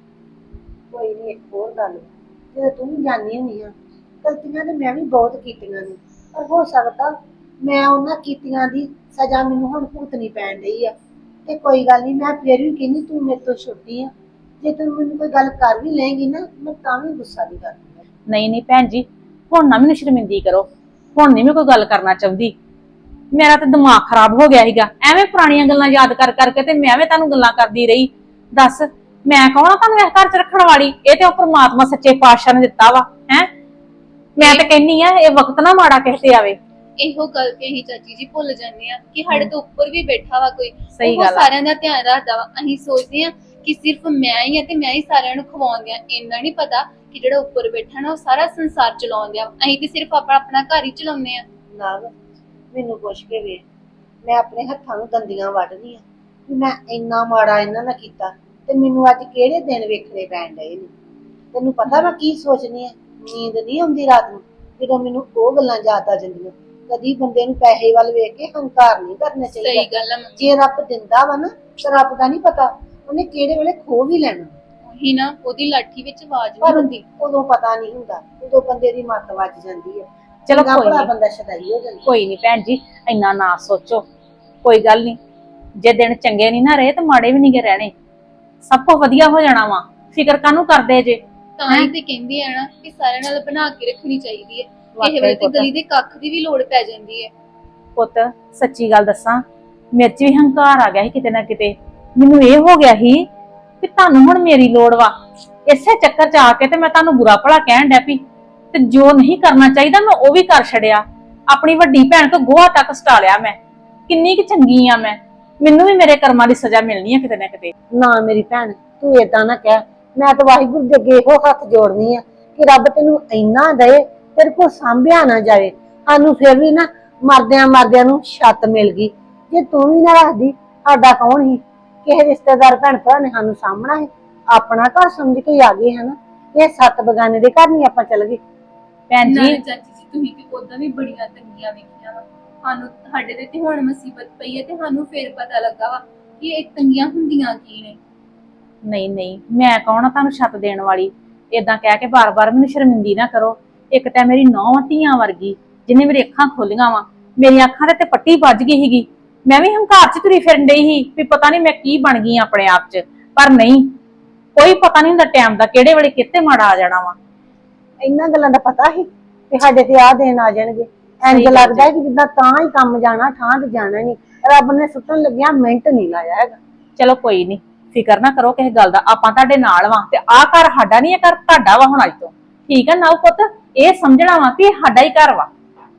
[SPEAKER 7] ਕੋਈ ਨਹੀਂ, ਇੱਕ ਹੋਰ ਗੱਲ, ਜਦੋਂ ਤੂੰ ਵੀ ਜਾਣੀ ਹੁੰਦੀ ਆ, ਗਲਤੀਆਂ ਤੇ ਮੈਂ ਵੀ ਬਹੁਤ ਕੀਤੀਆਂ ਨੇ, ਪਰ ਹੋ ਸਕਦਾ ਮੈਂ ਉਹਨਾਂ ਕੀਤੀਆਂ ਦੀ ਸਜ਼ਾ ਮੈਨੂੰ ਹੁਣ ਭੁਗਤਣੀ ਪੈਣ ਡਈ ਆ। ਤੇ ਕੋਈ ਗੱਲ ਨਹੀਂ, ਮੈਂ ਫਿਰ ਵੀ ਕਹਿੰਦੀ ਤੂੰ ਮੇਰੇ ਤੋਂ ਛੋਟੀ ਆ, ਜੇ ਤੂੰ ਮੈਨੂੰ ਕੋਈ ਗੱਲ ਕਰ ਵੀ ਲਏਂਗੀ ਨਾ, ਮੈਂ ਤਾਂ ਵੀ ਗੁੱਸਾ ਨਹੀਂ ਕਰਦੀ।
[SPEAKER 1] ਨਹੀਂ ਨਹੀਂ ਭੈਣ ਜੀ, ਹੁਣ ਨਾ ਮੈਨੂੰ ਸ਼ਰਮਿੰਦੀ ਕਰੋ। ਹੁਣ ਨਹੀਂ ਮੈਂ ਕੋਈ ਗੱਲ ਕਰਨਾ ਚਾਹੁੰਦੀ। ਮੇਰਾ ਤਾਂ ਦਿਮਾਗ ਖਰਾਬ ਹੋ ਗਿਆ ਸੀਗਾ, ਐਵੇਂ ਪੁਰਾਣੀਆਂ ਗੱਲਾਂ ਯਾਦ ਕਰ ਕਰਕੇ ਤੇ ਮੈਂ ਐਵੇਂ ਤੁਹਾਨੂੰ ਗੱਲਾਂ ਕਰਦੀ ਰਹੀ। ਦੱਸ ਮੈਂ ਕੌਣ ਆ ਤੁਹਾਨੂੰ ਇਸ ਘਰ 'ਚ ਰੱਖਣ ਵਾਲੀ? ਇਹ ਤੇ ਉਹ ਪ੍ਰਮਾਤਮਾ ਸੱਚੇ ਪਾਤਸ਼ਾਹ ਨੇ ਦਿੱਤਾ ਵਾ। ਹੈ ਮੈਂ ਤਾਂ ਕਹਿੰਨੀ ਆ ਇਹ ਵਕਤ ਨਾ ਮਾੜਾ ਕਿਸੇ ਤੇ ਆਵੇ।
[SPEAKER 8] ਇਹੋ ਗੱਲ ਤੇ ਅਸੀਂ ਚਾਚੀ ਜੀ ਭੁੱਲ ਜਾਂਦੇ ਆ ਕਿ ਸਾਡੇ ਤੋਂ ਉੱਪਰ ਵੀ ਬੈਠਾ ਵਾ ਕੋਈ,
[SPEAKER 1] ਸਹੀ
[SPEAKER 8] ਉਹ
[SPEAKER 1] ਗੱਲ ਆ।
[SPEAKER 8] ਸਾਰਿਆਂ ਦਾ ਧਿਆਨ ਰੱਖਦਾ ਵਾ। ਅਸੀਂ ਸੋਚਦੇ ਆ ਕਿ ਸਿਰਫ ਮੈਂ ਹੀ ਆ ਤੇ ਮੈਂ ਹੀ ਸਾਰਿਆਂ ਨੂੰ ਖਵਾਉਂਦੀ ਆ। ਇੰਨਾ ਨਹੀਂ ਪਤਾ ਕਿ ਜਿਹੜਾ ਉੱਪਰ ਬੈਠਾ ਨਾ ਉਹ ਸਾਰਾ ਸੰਸਾਰ ਚਲਾਉਂਦੇ ਆ। ਅਸੀਂ ਤੇ ਸਿਰਫ ਆਪਣਾ ਆਪਣਾ ਘਰ ਹੀ ਚਲਾਉਂਦੇ ਆ।
[SPEAKER 7] ਨਾਗ ਮੈਨੂੰ ਪੁੱਛ ਕੇ ਵੇਖ, ਮੈਂ ਆਪਣੇ ਹੱਥਾਂ ਨੂੰ ਦੰਦੀਆਂ ਵੱਢਦੀ ਆ ਕਿ ਮੈਂ ਇੰਨਾ ਮਾੜਾ ਇਹਨਾਂ ਨਾਲ ਕੀਤਾ, ਤੇ ਮੈਨੂੰ ਅੱਜ ਕਿਹੜੇ ਦਿਨ ਵੇਖਣੇ ਪੈਣ ਡਏ ਨੇ। ਤੈਨੂੰ ਪਤਾ ਮੈਂ ਕੀ ਸੋਚਦੀ ਆ? ਨੀਂਦ ਨਹੀਂ ਆਉਂਦੀ ਰਾਤ ਨੂੰ ਜਦੋਂ ਮੈਨੂੰ ਉਹ ਗੱਲਾਂ ਯਾਦ ਆ ਜਾਂਦੀਆਂ। ਕਦੀ ਬੰਦੇ ਨੂੰ ਪੈਸੇ ਵੱਲ ਵੇਖ ਕੇ ਹੰਕਾਰ ਨਹੀਂ ਕਰਨਾ
[SPEAKER 8] ਸਹੀ
[SPEAKER 7] ਚਾਹੀਦਾ।
[SPEAKER 8] ਗੱਲ ਆ ਮੰਮੀ।
[SPEAKER 7] ਜੇ ਰੱਬ ਦਿੰਦਾ ਵਾ ਨਾ, ਤਾਂ ਰੱਬ ਦਾ ਨਹੀਂ ਪਤਾ ਉਹਨੇ ਕਿਹੜੇ ਵੇਲੇ ਖੋ ਵੀ ਲੈਣਾ।
[SPEAKER 8] ਉਹੀ ਨਾ, ਉਹਦੀ ਲਾਠੀ ਵਿੱਚ ਆਵਾਜ਼ ਨਹੀਂ
[SPEAKER 7] ਪਰ
[SPEAKER 8] ਹੁੰਦੀ।
[SPEAKER 7] ਉਦੋਂ ਪਤਾ ਨਹੀਂ ਹੁੰਦਾ, ਉਦੋਂ ਬੰਦੇ ਦੀ ਮੱਤ ਵੱਜ ਜਾਂਦੀ ਹੈ।
[SPEAKER 1] ਚਲੋ
[SPEAKER 7] ਚੰਗਾ
[SPEAKER 1] ਕੋਈ
[SPEAKER 7] ਭਲਾ
[SPEAKER 1] ਨਹੀਂ,
[SPEAKER 7] ਬੰਦਾ ਸ਼ਦਾਈ ਹੋ ਜਾਂਦਾ।
[SPEAKER 1] ਕੋਈ ਨਹੀਂ ਭੈਣ ਜੀ, ਇੰਨਾ ਨਾ ਸੋਚੋ। ਕੋਈ ਗੱਲ ਨਹੀਂ, ਜੇ ਦਿਨ ਚੰਗੇ ਨਹੀਂ ਨਾ ਰਹੇ ਤੇ ਮਾੜੇ ਵੀ ਨਹੀਂਗੇ ਰਹਿਣੇ। ਸਭ ਕੁਝ ਵਧੀਆ ਹੋ ਜਾਣਾ ਵਾ, ਫਿਕਰ ਕਾਹਨੂੰ ਕਰਦੇ ਜੇ?
[SPEAKER 8] ਤਾਂ ਹੀ ਤੇ ਕਹਿੰਦੀ ਆ ਨਾ ਕਿ ਸਾਰਿਆਂ ਨਾਲ ਬਣਾ ਕੇ ਰੱਖਣੀ ਚਾਹੀਦੀ ਹੈ।
[SPEAKER 1] ਵਾਕਈ
[SPEAKER 8] ਇਹ ਵੇਲੇ ਤੇ
[SPEAKER 1] ਪੁੱਤ।
[SPEAKER 8] ਗਲੀ ਦੇ ਕੱਖ ਦੀ ਵੀ ਲੋੜ ਪੈ ਜਾਂਦੀ ਹੈ।
[SPEAKER 1] ਪੁੱਤ ਸੱਚੀ ਗੱਲ ਦੱਸਾਂ, ਮੇਰੇ 'ਚ ਵੀ ਹੰਕਾਰ ਆ ਗਿਆ ਸੀ ਕਿਤੇ ਨਾ ਕਿਤੇ। ਮੈਨੂੰ ਇਹ ਹੋ ਗਿਆ ਸੀ ਕਿ ਤੁਹਾਨੂੰ ਹੁਣ ਮੇਰੀ ਲੋੜ ਵਾ। ਇਸੇ ਚੱਕਰ 'ਚ ਆ ਕੇ ਤੇ ਮੈਂ ਤੁਹਾਨੂੰ ਬੁਰਾ ਭਲਾ ਕਹਿਣ ਡੈ ਪਈ, ਤੇ ਜੋ ਨਹੀਂ ਕਰਨਾ ਚਾਹੀਦਾ ਮੈਂ ਉਹ ਵੀ ਕਰ ਛੜਿਆ। ਆਪਣੀ ਵੱਡੀ ਭੈਣ ਤੋਂ ਗੋਹਾ ਤੱਕ ਸਟਾ ਲਿਆ ਮੈਂ। ਕਿੰਨੀ ਕਿ ਚੰਗੀ ਆ ਮੈਂ, ਮੈਨੂੰ ਵੀ ਮੇਰੇ ਕਰਮਾਂ ਦੀ ਸਜ਼ਾ ਮਿਲਣੀ ਆ ਕਿਤੇ ਨਾ ਕਿਤੇ।
[SPEAKER 7] ਨਾ ਮੇਰੀ ਭੈਣ, ਤੂੰ ਏਦਾਂ ਨਾ ਕਹਿ। ਮੈਂ ਤਾਂ ਵਾਹਿਗੁਰੂ ਦੇ ਅੱਗੇ ਇਹੋ ਹੱਥ ਜੋੜਨੀ ਆ ਕਿ ਰੱਬ ਤੈਨੂੰ ਇੰਨਾ ਦਏ ਤੇਰੇ ਕੋਲ ਸਾਂਭਿਆ ਨਾ ਜਾਵੇ। ਸਾਨੂੰ ਫਿਰ ਵੀ ਨਾ ਮਰਦਿਆਂ ਮਰਦਿਆਂ ਨੂੰ ਛੱਤ ਮਿਲ ਗਈ। ਜੇ ਤੂੰ ਵੀ ਨਾ ਰੱਖਦੀ, ਸਾਡਾ ਕੌਣ ਸੀ? ਕਿਸੇ ਰਿਸ਼ਤੇਦਾਰ ਭੈਣ ਭਰਾ ਨੇ ਸਾਨੂੰ ਸਾਂਭਣਾ ਹੈ? ਆਪਣਾ ਘਰ ਸਮਝ ਕੇ ਹੀ ਆ ਗਏ ਹਨ। ਇਹ ਸੱਤ ਬਗਾਨੇ ਦੇ ਘਰ ਨਹੀਂ ਆਪਾਂ ਚੱਲ ਗਏ।
[SPEAKER 1] ਭੈਣ
[SPEAKER 8] ਨਾਲੇ
[SPEAKER 1] ਜੀ
[SPEAKER 8] ਚਾਚੀ ਜੀ ਤੁਸੀਂ ਤੇ ਉਦਾਂ ਵੀ ਬੜੀਆਂ ਤੰਗੀਆਂ ਵੇਖੀਆਂ ਵਾ। ਸਾਨੂੰ ਸਾਡੇ ਤੇ ਤੇ ਹੁਣ ਮੁਸੀਬਤ ਪਈ ਹੈ ਤੇ ਸਾਨੂੰ ਫੇਰ ਪਤਾ ਲੱਗਾ ਵਾ ਕਿ ਇਹ ਤੰਗੀਆਂ ਹੁੰਦੀਆਂ ਕੀ ਨੇ।
[SPEAKER 1] ਨਹੀਂ ਨਹੀਂ, ਮੈਂ ਕੌਣ ਆ ਤੁਹਾਨੂੰ ਛੱਤ ਦੇਣ ਵਾਲੀ? ਏਦਾਂ ਕਹਿ ਕੇ ਬਾਰ-ਬਾਰ ਮੈਨੂੰ ਸ਼ਰਮਿੰਦੀ ਨਾ ਕਰੋ। ਇੱਕ ਤਾਂ ਮੇਰੀ ਨੌਂ ਧੀਆਂ ਵਰਗੀ ਜਿਹਨੇ ਮੇਰੀ ਅੱਖਾਂ ਖੋਲੀਆਂ ਵਾ। ਮੇਰੀਆਂ ਅੱਖਾਂ ਤੇ ਤੇ ਪੱਟੀ ਵੱਜ ਗਈ ਸੀਗੀ। ਮੈਂ ਵੀ ਹੰਕਾਰ 'ਚ ਤੁਰੀ ਫਿਰਨ ਡਈ ਸੀ ਵੀ ਪਤਾ ਨਹੀਂ ਮੈਂ ਕੀ ਬਣ ਗਈ ਆਪਣੇ ਆਪ 'ਚ। ਪਰ ਨਹੀਂ, ਕੋਈ ਪਤਾ ਨਹੀਂ ਹੁੰਦਾ ਟਾਈਮ ਦਾ, ਕਿਹੜੇ ਵੇਲੇ ਕਿੱਥੇ ਮਾੜਾ ਆ ਜਾਣਾ ਵਾ।
[SPEAKER 7] ਇੰਨਾ ਗੱਲਾਂ ਦਾ ਪਤਾ ਸੀ ਕਿ ਸਾਡੇ ਤੇ ਆਹ ਦਿਨ ਆ ਜਾਣਗੇ। ਇੰਜ
[SPEAKER 1] ਸਹੀ ਗੱਲ
[SPEAKER 7] ਲੱਗਦਾ ਹੈ ਕਿ ਜਿੱਦਾਂ ਤਾਂ ਹੀ ਕੰਮ ਜਾਣਾ, ਥਾਂ ਤੇ ਜਾਣਾ ਨਹੀਂ। ਰੱਬ ਨੇ ਸੁੱਟਣ ਲੱਗਿਆ ਮਿੰਟ ਨਹੀਂ ਲਾਇਆ ਹੈਗਾ।
[SPEAKER 1] ਚਲੋ ਕੋਈ ਨਹੀਂ, ਫਿਕਰ ਨਾ ਕਰੋ ਕਿਸੇ ਗੱਲ ਦਾ। ਆਪਾਂ ਤੁਹਾਡੇ ਨਾਲ ਵਾਂ ਤੇ ਆਹ ਘਰ ਸਾਡਾ ਨਹੀਂ, ਇਹ ਘਰ ਤੁਹਾਡਾ ਵਾ ਹੁਣ ਅੱਜ ਤੋਂ। ਠੀਕ ਆ ਨਾ ਪੁੱਤ? ਇਹ ਸਮਝਣਾ ਵਾ ਵੀ ਇਹ ਸਾਡਾ ਹੀ ਘਰ ਵਾ।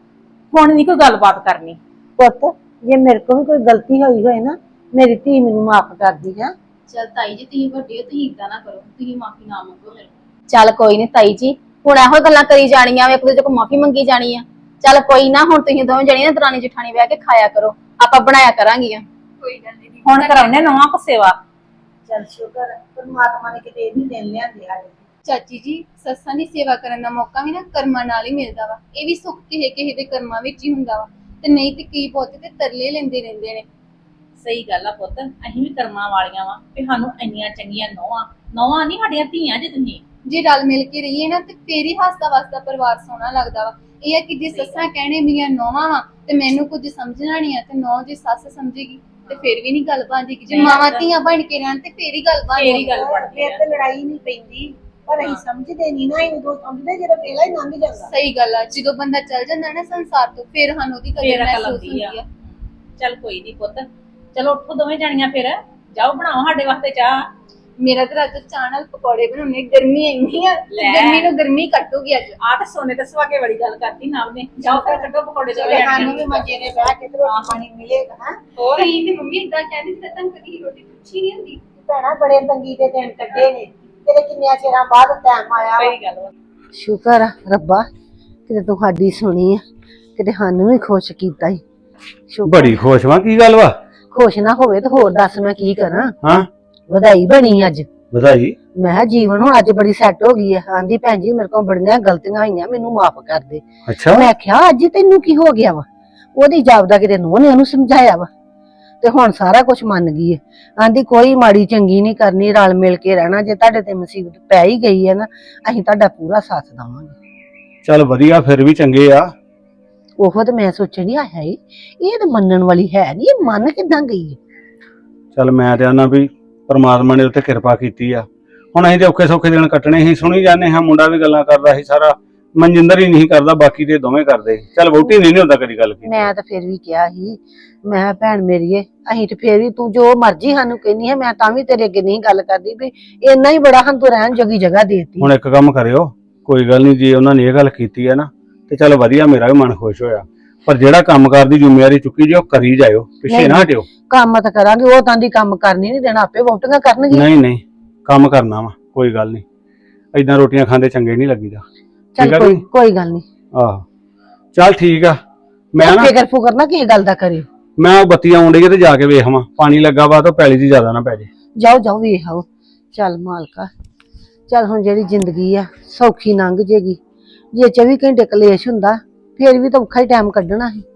[SPEAKER 1] ਹੁਣ ਨਹੀਂ ਕੋਈ ਗੱਲਬਾਤ ਕਰਨੀ।
[SPEAKER 7] ਪੁੱਤ, ਜੇ ਮੇਰੇ ਕੋਲ ਵੀ ਕੋਈ ਗਲਤੀ ਹੋਈ ਹੋਏ ਨਾ, ਮੇਰੀ ਧੀ ਮੈਨੂੰ ਮਾਫ ਕਰਦੀ ਹੈ।
[SPEAKER 8] ਚਲ ਤਾਈ ਜੀ ਤੁਸੀਂ ਵੱਡੇ ਹੋ, ਤੁਸੀਂ ਇਦਾਂ ਨਾ ਕਰੋ, ਤੁਸੀਂ ਮਾਫੀ ਨਾ ਮੰਗੋ ਮੇਰੇ ਕੋਲ।
[SPEAKER 3] ਚੱਲ ਕੋਈ ਨਹੀਂ ਤਾਈ ਜੀ, ਹੁਣ ਇਹੋ ਗੱਲਾਂ ਕਰੀ ਜਾਣੀਆਂ ਵੇ, ਇੱਕ ਦੂਜੇ ਕੋਲ ਮਾਫੀ ਮੰਗੀ ਜਾਣੀ ਆ। ਚੱਲ ਕੋਈ ਨਾ, ਹੁਣ ਤੁਸੀਂ ਦੋਵੇਂ ਜਣੀਆਂ ਦਰਾਣੀ ਜਠਾਣੀ ਬਹਿ ਕੇ ਖਾਇਆ ਕਰੋ, ਆਪਾਂ ਬਣਾਇਆ ਕਰਾਂਗੀਆਂ।
[SPEAKER 8] ਕੋਈ ਗੱਲ ਨਹੀਂ।
[SPEAKER 1] ਹੁਣ ਕਰਾਉਨੇ ਨਵਾਂ ਕੋ ਸੇਵਾ।
[SPEAKER 7] ਚਲ ਸ਼ੁਕਰ ਹੈ ਪਰਮਾਤਮਾ ਨੇ ਕਿਤੇ ਇਹ ਵੀ ਦਿਨ ਲਿਆਂਦੇ ਆ।
[SPEAKER 8] ਚਾਚੀ ਜੀ, ਸੱਸਾਂ ਦੀ ਸੇਵਾ ਕਰਨ ਦਾ ਮੌਕਾ ਵੀ ਨਾ ਕਰਮਾਂ ਨਾਲ ਹੀ ਮਿਲਦਾ ਵਾ। ਇਹ ਵੀ ਸੁੱਖ ਕਿਸੇ ਕਿਸੇ ਦੇ ਕਰਮਾਂ ਵਿੱਚ ਹੀ ਹੁੰਦਾ ਵਾ, ਤੇ ਨਹੀਂ ਤੇ ਕੀ ਬਹੁਤੇ ਤੇ ਤਰਲੇ ਲੈਂਦੇ ਰਹਿੰਦੇ ਨੇ।
[SPEAKER 1] ਸਹੀ ਗੱਲ ਆ ਪੁੱਤ, ਅਸੀਂ ਵੀ ਕਰਮਾਂ ਵਾਲੀਆਂ ਵਾ ਵੀ ਸਾਨੂੰ ਇੰਨੀਆਂ ਚੰਗੀਆਂ ਨੌਵਾਂ। ਨੌਵਾਂ ਨਹੀਂ ਸਾਡੀਆਂ ਧੀਆਂ ਜੇ ਤੁਸੀਂ।
[SPEAKER 8] ਜੇ ਰਲ ਮਿਲ ਕੇ ਰਹੀਏ ਨਾ ਤੇ ਫੇਰ ਹੀ ਹੱਸਦਾ ਵਸਦਾ ਪਰਿਵਾਰ ਸੋਹਣਾ ਲੱਗਦਾ ਵਾ। ਇਹ ਆ ਕਿ ਜੇ ਸੱਸਾਂ ਕਹਿਣੇ ਮੇਰੀਆਂ ਨੌਵਾਂ ਵਾ ਤੇ ਮੈਨੂੰ ਕੁਝ ਸਮਝਣਾ ਨਹੀਂ ਆ, ਤੇ ਨੌ ਜੇ ਸੱਸ ਸਮਝੇਗੀ ਤੇ ਫੇਰ ਵੀ ਨਹੀਂ ਗੱਲ ਬਣਦੀ। ਜੇ ਮਾਵਾਂ ਧੀਆਂ ਬਣ ਕੇ ਰਹਿਣ ਤੇ ਫੇਰ ਹੀ ਗੱਲ
[SPEAKER 1] ਫੇਰ ਹੀ
[SPEAKER 8] ਬਣਦੀ।
[SPEAKER 1] ਗੱਲ ਬਣਦੀ
[SPEAKER 7] ਫਿਰ
[SPEAKER 1] ਆ।
[SPEAKER 7] ਤੇ ਲੜਾਈ ਨਹੀਂ ਪੈਂਦੀ, ਪਰ ਅਸੀਂ ਸਮਝਦੇ ਨਹੀਂ ਨਾ। ਇਹ ਉਦੋਂ ਸਮਝਦੇ ਜਦੋਂ ਵੇਲਾ ਹੀ ਲੰਘ ਜਾਂਦਾ।
[SPEAKER 8] ਸਹੀ ਗੱਲ ਆ, ਜਦੋਂ ਬੰਦਾ ਚੱਲ ਜਾਂਦਾ ਨਾ ਸੰਸਾਰ ਤੋਂ ਫੇਰ ਸਾਨੂੰ ਉਹਦੀ ਕਦਰ
[SPEAKER 1] ਫੇਰ ਅਕਲ
[SPEAKER 8] ਮਹਿਸੂਸ
[SPEAKER 1] ਆਉਂਦੀ
[SPEAKER 8] ਹੁੰਦੀ
[SPEAKER 1] ਆ।
[SPEAKER 8] ਆ।
[SPEAKER 1] ਚੱਲ ਕੋਈ ਨਹੀਂ ਪੁੱਤ, ਚਲੋ ਉੱਠੋ ਦੋਵੇਂ ਜਾਣੀਆਂ, ਫਿਰ ਜਾਓ ਬਣਾਓ ਸਾਡੇ ਵਾਸਤੇ ਚਾਹ।
[SPEAKER 8] ਮੇਰਾ ਤਾਂ ਰਾਤ ਚਾਹ ਨਾਲ ਪਕੌੜੇ ਬਣਾਉਣੇ। ਗਰਮੀ ਇੰਨੀ ਆ ਤੇ
[SPEAKER 1] ਲੈ।
[SPEAKER 8] ਗਰਮੀ ਨੂੰ ਗਰਮੀ ਕੱਟੂਗੀ ਅੱਜ।
[SPEAKER 1] ਆਹ ਤੇ ਸੋਨੇ ਤੇ ਸੁਹਾਗੇ ਵਾਲੀ ਗੱਲ ਕਰਤੀ ਨਾਲ ਨੇ। ਜਾਓ ਫਿਰ ਕੱਢੋ ਪਕੌੜੇ ਦੋਵੇਂ
[SPEAKER 7] ਸਾਨੂੰ ਵੀ
[SPEAKER 1] ਜਾਣੀਆਂ।
[SPEAKER 7] ਮੱਜੇ ਨੇ ਬਹਿ ਕੇ ਤੇ ਰੋਟੀ ਪਾਣੀ ਮਿਲੇਗਾ। ਹਾਂ
[SPEAKER 1] ਹੋਰ
[SPEAKER 8] ਤੁਸੀਂ ਤੇ ਮੰਮੀ ਇਦਾਂ ਕਹਿੰਦੇ ਸੀ ਤਾਂ ਕਦੀ ਰੋਟੀ ਪੁੱਛੀ ਨਹੀਂ ਹੁੰਦੀ।
[SPEAKER 7] ਭੈਣਾ, ਬੜੇ ਤੰਗੀ ਦੇ ਦਿਨ ਕੱਢੇ ਨੇ ਤੇਰੇ। ਕਿੰਨਿਆਂ ਚਿਰਾਂ ਬਾਅਦ ਟਾਈਮ ਆਇਆ ਵਾ।
[SPEAKER 1] ਸਹੀ ਗੱਲ ਵਾ।
[SPEAKER 7] ਸ਼ੁਕਰ ਆ ਰੱਬਾ, ਕਿਤੇ ਤੂੰ ਸਾਡੀ ਸੁਣੀ ਆ, ਕਿਤੇ ਸਾਨੂੰ ਵੀ ਖੁਸ਼ ਕੀਤਾ ਈ। ਸ਼ੁਕਰ।
[SPEAKER 5] ਬੜੀ ਖੁਸ਼ ਵਾਂ, ਕੀ ਗੱਲ ਵਾ?
[SPEAKER 7] ਖੁਸ਼ ਨਾ ਹੋਵੇ ਤਾਂ ਹੋਰ ਦੱਸ ਮੈਂ ਕੀ ਕਰਾਂ।
[SPEAKER 5] ਹਾਂ,
[SPEAKER 7] ਵਧਾਈ ਬਣੀ ਅੱਜ।
[SPEAKER 5] ਵਧਾਈ।
[SPEAKER 7] ਮੈਂ ਕਿਹਾ ਜੀਵਨ ਹੁਣ ਅੱਜ ਬੜੀ ਸੈੱਟ ਹੋ ਗਈ ਆ। ਆਂਦੀ ਭੈਣ ਜੀ ਮੇਰੇ ਕੋਲ ਬੜੀਆਂ ਗਲਤੀਆਂ ਹੋਈਆਂ, ਮੈਨੂੰ ਮਾਫ ਕਰ ਦੇ।
[SPEAKER 5] ਅੱਛਾ,
[SPEAKER 7] ਮੈਂ ਕਿਹਾ ਅੱਜ ਤੈਨੂੰ ਕੀ ਹੋ ਗਿਆ ਵਾ? ਉਹਦੀ ਜਾਬਦਾ ਕਿਤੇ ਨੂੰਹ ਨੇ ਉਹਨੂੰ ਸਮਝਾਇਆ ਵਾ, ਤੇ ਹੁਣ ਸਾਰਾ ਕੁਝ ਮੰਨ ਗਈ ਹੈ। ਆਂਦੀ ਕੋਈ ਮਾੜੀ ਚੰਗੀ ਨਹੀਂ ਕਰਨੀ, ਰਲ ਮਿਲ ਕੇ ਰਹਿਣਾ। ਜੇ ਤੁਹਾਡੇ ਤੇ ਮੁਸੀਬਤ ਪੈ ਹੀ ਗਈ ਹੈ ਨਾ, ਅਸੀਂ ਤੁਹਾਡਾ ਪੂਰਾ ਸਾਥ ਦੇਵਾਂਗੇ।
[SPEAKER 5] ਚੱਲ ਵਧੀਆ, ਫਿਰ ਵੀ ਚੰਗੇ ਆ।
[SPEAKER 7] ਉਹ ਤੇ ਮੈਂ ਸੋਚਿਆ ਨਹੀਂ ਆਇਆ ਈ, ਇਹ ਤਾਂ ਮੰਨਣ ਵਾਲੀ ਹੈ ਨਹੀਂ। ਇਹ ਮੰਨ ਕਿੱਦਾਂ ਗਈ ਹੈ?
[SPEAKER 5] ਚੱਲ ਮੈਂ ਤੇ ਆਨਾ ਵੀ ਪਰਮਾਤਮਾ ਨੇ ਉੱਤੇ ਕਿਰਪਾ ਕੀਤੀ ਆ। ਹੁਣ ਅਸੀਂ ਤੇ ਔਖੇ ਸੌਖੇ ਦਿਨ ਕੱਟਣੇ ਸੀ, ਸੁਣੀ ਜਾਂਦੇ ਹਾਂ। ਮੁੰਡਾ ਵੀ ਗੱਲਾਂ ਕਰਦਾ ਸੀ ਸਾਰਾ, ਮਨਜਿੰਦਰ ਹੀ ਨਹੀਂ ਕਰਦਾ, ਬਾਕੀ ਦੇ ਦੋਵੇਂ ਕਰਦੇ। ਚੱਲ ਵਹੁਟੀ ਨਹੀਂ ਹੁੰਦਾ ਕਦੀ ਗੱਲ ਕੀਤੀ।
[SPEAKER 7] ਮੈਂ ਤਾਂ ਫਿਰ ਵੀ ਕਿਹਾ ਸੀ, ਮੈਂ ਕਿਹਾ ਭੈਣ ਮੇਰੀਏ, ਅਸੀਂ ਤੇ ਫਿਰ ਵੀ ਤੂੰ ਜੋ ਮਰਜ਼ੀ ਸਾਨੂੰ ਕਹਿੰਦੀ ਹੈ, ਮੈਂ ਤਾਂ ਵੀ ਤੇਰੇ ਅੱਗੇ ਨਹੀਂ ਗੱਲ ਕਰਦੀ ਵੀ ਇੰਨਾ ਹੀ ਬੜਾ ਹਨ ਤੂੰ ਰਹਿਣ ਜੋਗੀ ਜਗ੍ਹਾ ਦੇਤੀ।
[SPEAKER 5] ਹੁਣ ਇੱਕ ਕੰਮ ਕਰਿਓ, ਕੋਈ ਗੱਲ ਨਹੀਂ, ਜੇ ਉਹਨਾਂ ਨੇ ਇਹ ਗੱਲ ਕੀਤੀ ਹੈ ਨਾ ਤੇ ਚੱਲ ਵਧੀਆ, ਮੇਰਾ ਵੀ ਮਨ ਖੁਸ਼ ਹੋਇਆ। ਪਰ ਜਿਹੜਾ ਕੰਮ ਕਾਰ ਦੀ ਜ਼ਿੰਮੇਵਾਰੀ ਚੁੱਕੀ ਜੇ ਉਹ ਕਰੀ ਜਾਇਓ, ਪਿੱਛੇ ਨਾ ਹਟਿਓ।
[SPEAKER 7] ਕੰਮ ਤਾਂ ਕਰਾਂਗੇ, ਉਹ ਤਾਂ ਦੀ ਕੰਮ ਕਰਨੀ ਨਹੀਂ ਦੇਣਾ, ਆਪੇ ਵੋਟੀਆਂ ਕਰਨਗੇ।
[SPEAKER 5] ਨਹੀਂ ਨਹੀਂ, ਕੰਮ ਕਰਨਾ ਵਾ, ਕੋਈ ਗੱਲ ਨਹੀਂ। ਏਦਾਂ ਰੋਟੀਆਂ ਖਾਂਦੇ ਚੰਗੇ ਨਹੀਂ ਲੱਗੀਦਾ।
[SPEAKER 7] ਚੱਲ ਕੋਈ ਕੋਈ ਗੱਲ ਨਹੀਂ।
[SPEAKER 5] ਆਹੋ ਚੱਲ ਠੀਕ ਆ। ਮੈਂ ਨਾ
[SPEAKER 7] ਫਿਕਰ ਫੁਕਰ ਨਾ ਕਿਸੇ ਗੱਲ ਦਾ ਕਰਿਓ।
[SPEAKER 5] ਮੈਂ ਉਹ ਬੱਤੀ ਆਉਣ ਡਈ ਤੇ ਜਾ ਕੇ ਵੇਖਾਂ, ਪਾਣੀ ਲੱਗਾ ਵਾ ਤਾਂ ਪੈਲੀ ਦੀ ਜ਼ਿਆਦਾ ਨਾ ਪੈ ਜੇ।
[SPEAKER 7] ਜਾਓ ਜਾਓ ਵੇਖ ਆਓ। ਚੱਲ ਮਾਲਕਾ, ਚੱਲ ਹੁਣ ਜਿਹੜੀ ਜ਼ਿੰਦਗੀ ਆ ਸੌਖੀ ਲੰਘ ਜੇਗੀ। ਜੇ ਚੌਵੀ ਘੰਟੇ ਕਲੇਸ਼ ਹੁੰਦਾ ਫੇਰ ਵੀ ਤਾਂ ਔਖਾ ਹੀ ਟਾਈਮ ਕੱਢਣਾ ਸੀ।